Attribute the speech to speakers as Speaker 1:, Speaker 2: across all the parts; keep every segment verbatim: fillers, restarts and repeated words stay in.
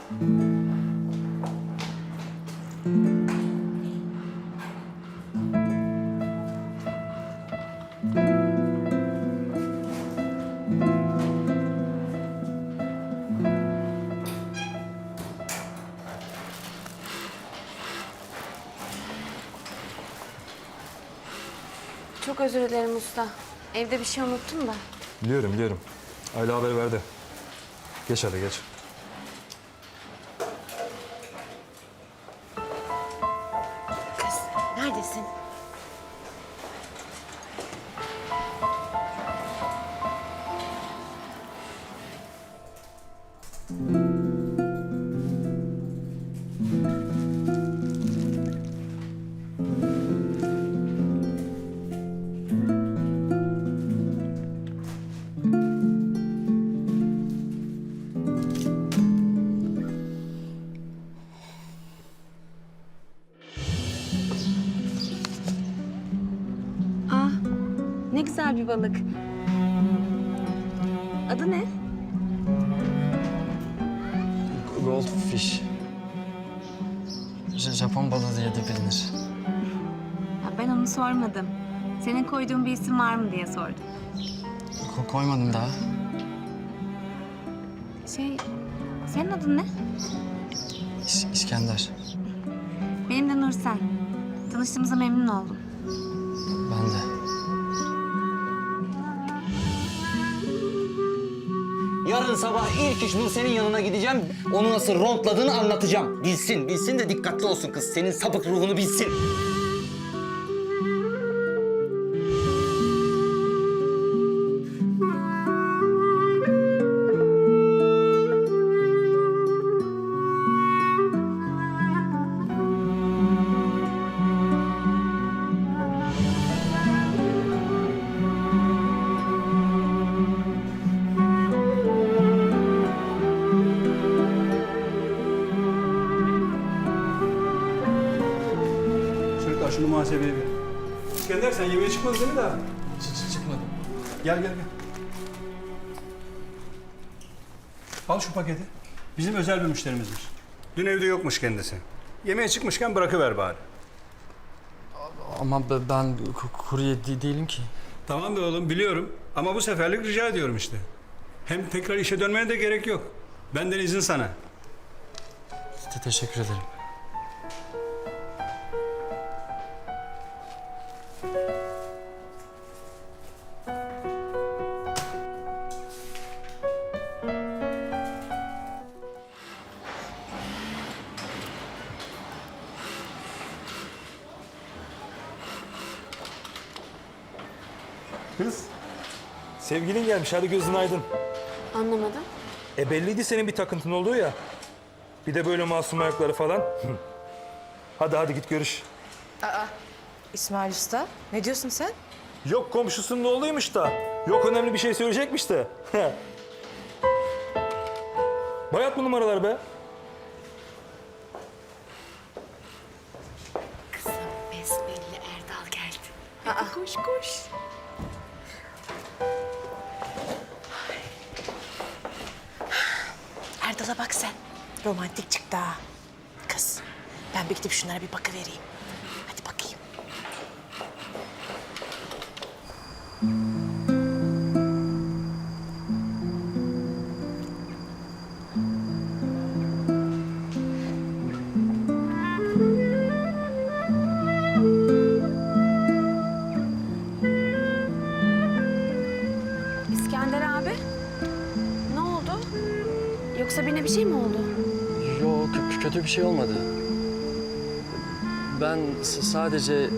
Speaker 1: Çok özür dilerim usta. Evde bir şey unuttum da.
Speaker 2: Biliyorum, biliyorum. Ayla haber verdi. Geç hadi, geç.
Speaker 1: Kız, neredesin? Ah, ne güzel bir balık. Adı ne?
Speaker 3: Goldfish. J- Japon balığı diye de bilinir.
Speaker 1: Ya ben onu sormadım. Senin koyduğun bir isim var mı diye sordum.
Speaker 3: Ko- koymadım daha.
Speaker 1: Şey, senin adın ne?
Speaker 3: İs- İskender.
Speaker 1: Benim de Nursel. Tanıştığımıza memnun oldum.
Speaker 3: Ben de.
Speaker 4: Yarın sabah ilk iş Nursel'in yanına gideceğim. Onu nasıl rontladığını anlatacağım. Bilsin, bilsin de dikkatli olsun kız. Senin sapık ruhunu bilsin.
Speaker 5: Çocuklar şunu muhasebeye verin. İskender sen yemeğe çıkmadın değil mi daha?
Speaker 3: Çık çıkmadım.
Speaker 5: Gel gel gel. Al şu paketi. Bizim özel bir müşterimizmiş. Dün evde yokmuş kendisi. Yemeğe çıkmışken bırakıver bari.
Speaker 3: Ama be- ben ku- kurye de- değilim ki.
Speaker 5: Tamam be oğlum biliyorum ama bu seferlik rica ediyorum işte. Hem tekrar işe dönmene de gerek yok. Benden izin sana.
Speaker 3: Te- teşekkür ederim.
Speaker 2: Kız, sevgilin gelmiş. Hadi gözün aydın.
Speaker 1: Anlamadım.
Speaker 2: E belliydi senin bir takıntın olduğu ya. Bir de böyle masum ayakları falan. Hadi hadi git görüş.
Speaker 6: İsmail Usta, ne diyorsun sen?
Speaker 2: Yok komşusunun oğluymuş da. Yok önemli bir şey söyleyecekmiş de. Bayat bu numaralar be.
Speaker 1: Besbelli Erdal geldi. Hadi koş koş.
Speaker 6: Erdal'a bak sen. Romantik çıktı ha. Kız, ben bir gidip şunlara bir bakıvereyim. Hadi bakayım.
Speaker 1: İskender abi. Ne oldu? Yoksa birine bir şey mi oldu?
Speaker 3: Yok, kö- kötü bir şey olmadı. Ben s- sadece...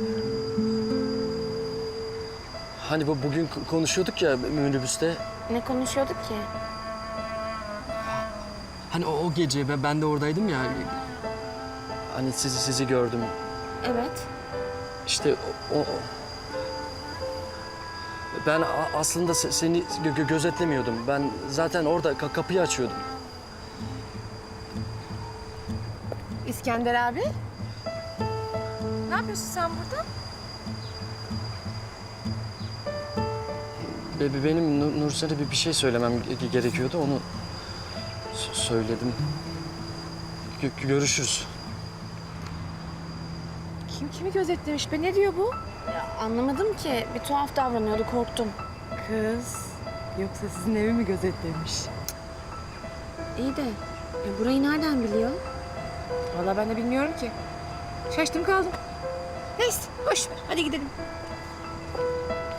Speaker 3: Hani bu bugün k- konuşuyorduk ya minibüste.
Speaker 1: Ne konuşuyorduk ki?
Speaker 3: Hani o, o gece ben, ben de oradaydım ya. Hani sizi sizi gördüm.
Speaker 1: Evet.
Speaker 3: İşte o... o- Ben a- aslında se- seni gö- gö- gözetlemiyordum. Ben zaten orada ka- kapıyı açıyordum.
Speaker 6: İskender abi. Ne yapıyorsun sen burada?
Speaker 3: Be- be- Benim Nur- Nursel'e bir bir şey söylemem ge- gerekiyordu. Onu s- söyledim. Gö- görüşürüz.
Speaker 6: Kim kimi gözetlemiş be? Ne diyor bu?
Speaker 7: Anlamadım ki. Bir tuhaf davranıyordu, korktum.
Speaker 6: Kız. Yoksa sizin evi mi gözetlemiş?
Speaker 7: İyi de ya burayı nereden biliyor?
Speaker 6: Vallahi ben de bilmiyorum ki. Şaştım kaldım. Neyse boş ver. Hadi gidelim.